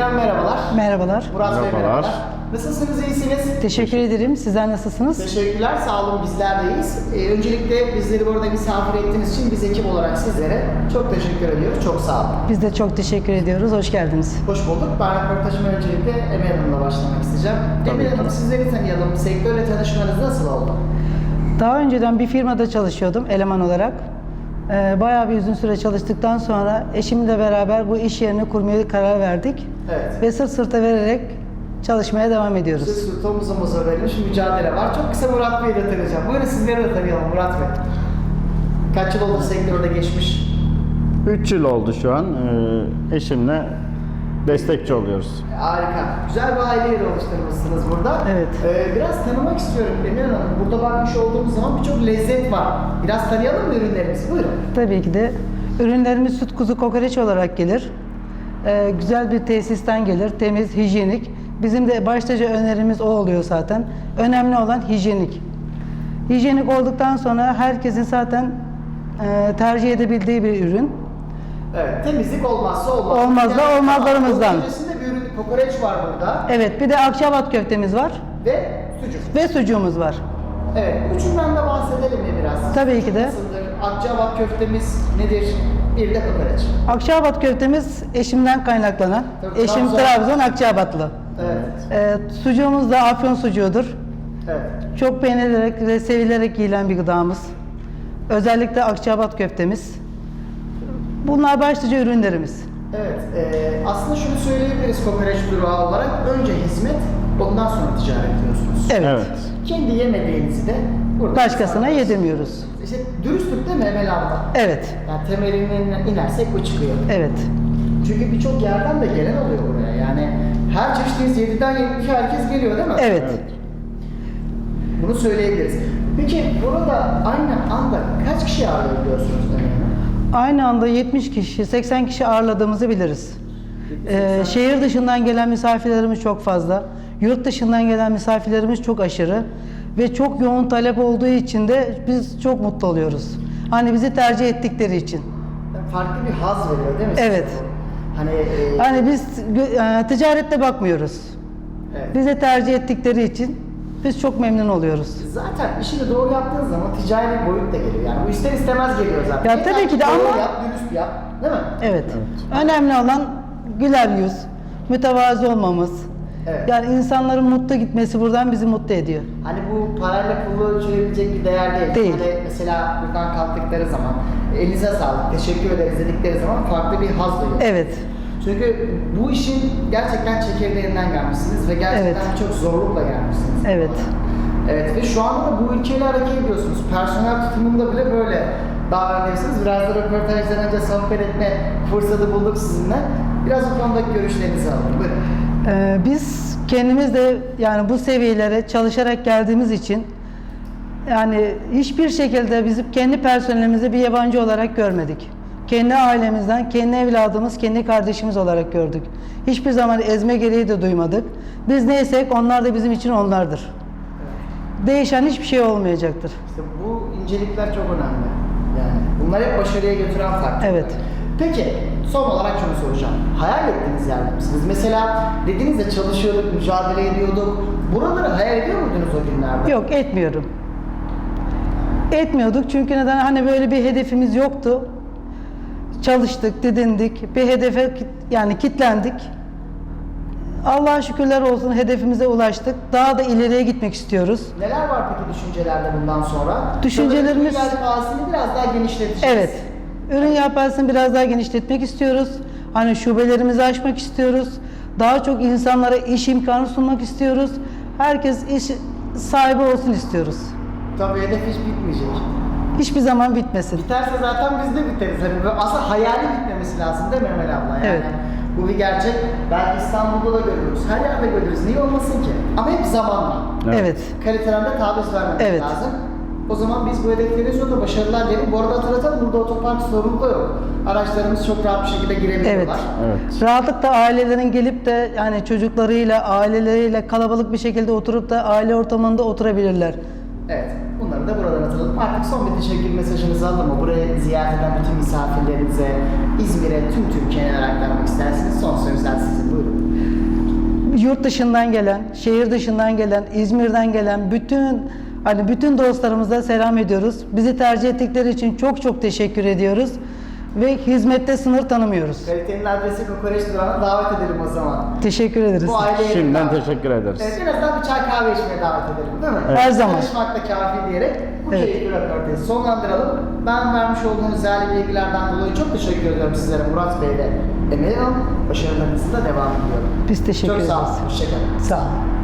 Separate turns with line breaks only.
Efendim merhabalar.
Merhabalar.
Murat Bey
Merhabalar.
merhabalar. Nasılsınız, iyisiniz?
Teşekkür ederim. Sizler nasılsınız?
Teşekkürler, sağ olun, bizler de iyiyiz. Öncelikle bizleri burada misafir ettiğiniz için biz ekip olarak sizlere çok teşekkür ediyoruz. Çok sağ olun.
Biz de çok teşekkür ediyoruz. Hoş geldiniz.
Hoş bulduk. Ben röportajıma öncelikle Emel Hanım'la başlamak isteyeceğim. Emel Hanım, sizleri tanıyalım. Sektörle tanışmanız nasıl oldu?
Daha önceden bir firmada çalışıyordum eleman olarak. Bayağı bir uzun süre çalıştıktan sonra eşimle beraber bu iş yerini kurmaya karar verdik.
Evet.
Ve sırt sırta vererek çalışmaya devam ediyoruz.
Siz sırt omuza verilmiş mücadele var. Çok kısa Murat Bey'i de tanıyacağım. Buyurun sizleri de tanıyalım Murat Bey. Kaç yıl oldu sektörde geçmiş?
3 yıl oldu şu an. Eşimle destekçi oluyoruz.
Harika. Güzel bir aile yeri oluşturmuşsunuz burada.
Evet.
Biraz tanımak istiyorum Emel Hanım. Burada bakmış olduğumuz zaman birçok lezzet var. Biraz tanıyalım mı ürünlerimizi? Buyurun.
Tabii ki de ürünlerimiz süt kuzu kokoreç olarak gelir. Güzel bir tesisten gelir. Temiz, hijyenik. Bizim de başlıca önerimiz o oluyor zaten. Önemli olan hijyenik. Hijyenik olduktan sonra herkesin zaten tercih edebildiği bir ürün.
Evet. Temizlik olmazsa olmaz.
Olmaz da olmazlarımızdan.
Onun öncesinde bir ürün kokoreç var burada.
Evet, bir de akçabat köftemiz var
Ve sucuk.
ve sucuğumuz var.
Evet. Üçünden de bahsedelim mi biraz?
Tabii ki de.
Nasıldır? Akçabat köftemiz nedir? Bir de kokoreç.
Akçabat köftemiz eşimden kaynaklanan.
Tabii,
Eşim
Trabzon.
Trabzon Akçabatlı.
Evet.
Sucuğumuz da Afyon sucuğudur.
Evet.
Çok beğenilerek ve sevilerek yiyilen bir gıdamız. Özellikle Akçabat köftemiz. Bunlar başlıca ürünlerimiz.
Evet, aslında şunu söyleyebiliriz kokoreç durağı olarak. Önce hizmet, ondan sonra ticaret diyorsunuz.
Evet.
Kendi yemediğinizi de burada
Başkasına
sağlıyorsunuz.
yedirmiyoruz.
İşte dürüstlük değil mi Emel abla?
Evet.
Yani temelinden inersek bu çıkıyor.
Evet.
Çünkü birçok yerden de gelen oluyor buraya. Yani her çeşitliyiz 7'den 70'e herkes geliyor değil mi?
Evet.
Bunu söyleyebiliriz. Peki burada aynı anda kaç kişi ağırlayabiliyorsunuz Emel Hanım?
Aynı anda 70 kişi, 80 kişi ağırladığımızı biliriz. Şehir dışından gelen misafirlerimiz çok fazla. Yurt dışından gelen misafirlerimiz çok aşırı. Ve çok yoğun talep olduğu için de biz çok mutlu oluyoruz. Hani bizi tercih ettikleri için.
Farklı bir haz veriyor değil mi? size
Evet.
bu? Hani
Hani biz ticarette bakmıyoruz.
evet.
Bize tercih ettikleri için biz çok memnun oluyoruz.
Zaten işini doğru yaptığın zaman ticari bir boyut da geliyor. Yani bu ister istemez geliyor zaten.
Ya
Yeter
tabii ki de
doğru
ama-
yap, dürüst yap. Değil mi?
Evet. Önemli olan güler yüz, mütevazı olmamız.
Evet.
Yani insanların mutlu gitmesi buradan bizi mutlu ediyor.
Hani bu parayla pulla ölçülebilecek bir değer değil.
Değil.
Hani mesela buradan kalktıkları zaman elinize sağlık, teşekkür ederiz dedikleri zaman farklı bir haz duyuyor.
Evet.
Çünkü bu işin gerçekten çekirdeğinden gelmişsiniz ve gerçekten
Evet.
çok zorlukla gelmişsiniz.
Evet.
Evet ve şu anda da bu ülkeyle hareket ediyorsunuz. Personel tutumunda bile böyle davranıyorsunuz. Biraz da röportajdan önce sohbet etme fırsatı bulduk sizinle. Biraz bu konudaki görüşlerinizi alalım. Buyurun.
Biz kendimiz de yani bu seviyelere çalışarak geldiğimiz için yani hiçbir şekilde bizim kendi personelimizi bir yabancı olarak görmedik. Kendi ailemizden, kendi evladımız, kendi kardeşimiz olarak gördük. Hiçbir zaman ezme gereği de duymadık. Biz neysek onlar da bizim için onlardır. Değişen hiçbir şey olmayacaktır.
İşte bu incelikler çok önemli. Yani bunlar hep başarıya götüren faktörler.
Evet.
Peki son olarak şunu soracağım. Hayal ettiğiniz yerde misiniz? Mesela dediniz ya çalışıyorduk, mücadele ediyorduk. Buraları hayal ediyor muydunuz o günlerde?
Yok, etmiyorum. Etmiyorduk çünkü neden? Hani böyle bir hedefimiz yoktu. Çalıştık, didindik, bir hedefe yani kitlendik. Allah'a şükürler olsun hedefimize ulaştık. Daha da ileriye gitmek istiyoruz.
Neler var peki düşüncelerde bundan sonra?
Düşüncelerimiz-
Sanırım yelpazesini biraz daha genişleteceğiz.
Evet. Ürün yelpazesini biraz daha genişletmek istiyoruz. Hani şubelerimizi açmak istiyoruz. Daha çok insanlara iş imkanı sunmak istiyoruz. Herkes iş sahibi olsun istiyoruz.
Tabii hedef hiç bitmeyecek.
Hiçbir zaman bitmesin.
Biterse zaten biz de biteriz. Hani böyle aslında hayali bitmemesi lazım değil mi Emel abla? Yani
Evet.
bu bir gerçek. Belki İstanbul'da da görürüz. Her yerde görürüz. Niye olmasın ki? Ama hep zamanla.
Evet.
Kaliteden de taviz vermemek
Evet.
lazım. O zaman biz bu hedefleri sonunda başarılar diyelim. Bu arada hatırlatalım burada otopark sorunu da yok. Araçlarımız çok rahat bir şekilde girebiliyorlar.
Evet.
Evet.
Rahatlıkla ailelerin gelip de yani çocuklarıyla, aileleriyle kalabalık bir şekilde oturup da aile ortamında oturabilirler.
Evet. Bunları konularını da buradan atalım. Artık son bir teşekkür mesajınızı alalım mı? Buraya ziyaret eden bütün misafirlerinize, İzmir'e, tüm Türkiye'ye neler aktarmak istersiniz? Son sözler sizin. Buyurun.
Yurt dışından gelen, şehir dışından gelen, İzmir'den gelen bütün dostlarımıza selam ediyoruz. Bizi tercih ettikleri için çok çok teşekkür ediyoruz ve hizmette sınır tanımıyoruz.
Kalitenin adresi Kokoreç Durağı'na davet edelim o zaman.
Teşekkür ederiz.
Bu aileye
Şimdiden
davet-
teşekkür ederiz.
Evet, en azından bir çay kahve içmeye davet edelim değil mi?
Her zaman.
Tanışmak da kafi diyerek bu
Evet.
keyifli röportajı sonlandıralım. Ben vermiş olduğunuz değerli bilgilerden dolayı çok teşekkür ediyorum sizlere Murat Bey ve Emel Hanım. Başarılarınızın da devam ediyorum.
Biz teşekkür
Çok
ederiz.
sağ olun. Hoşçakalın.
Sağ olun.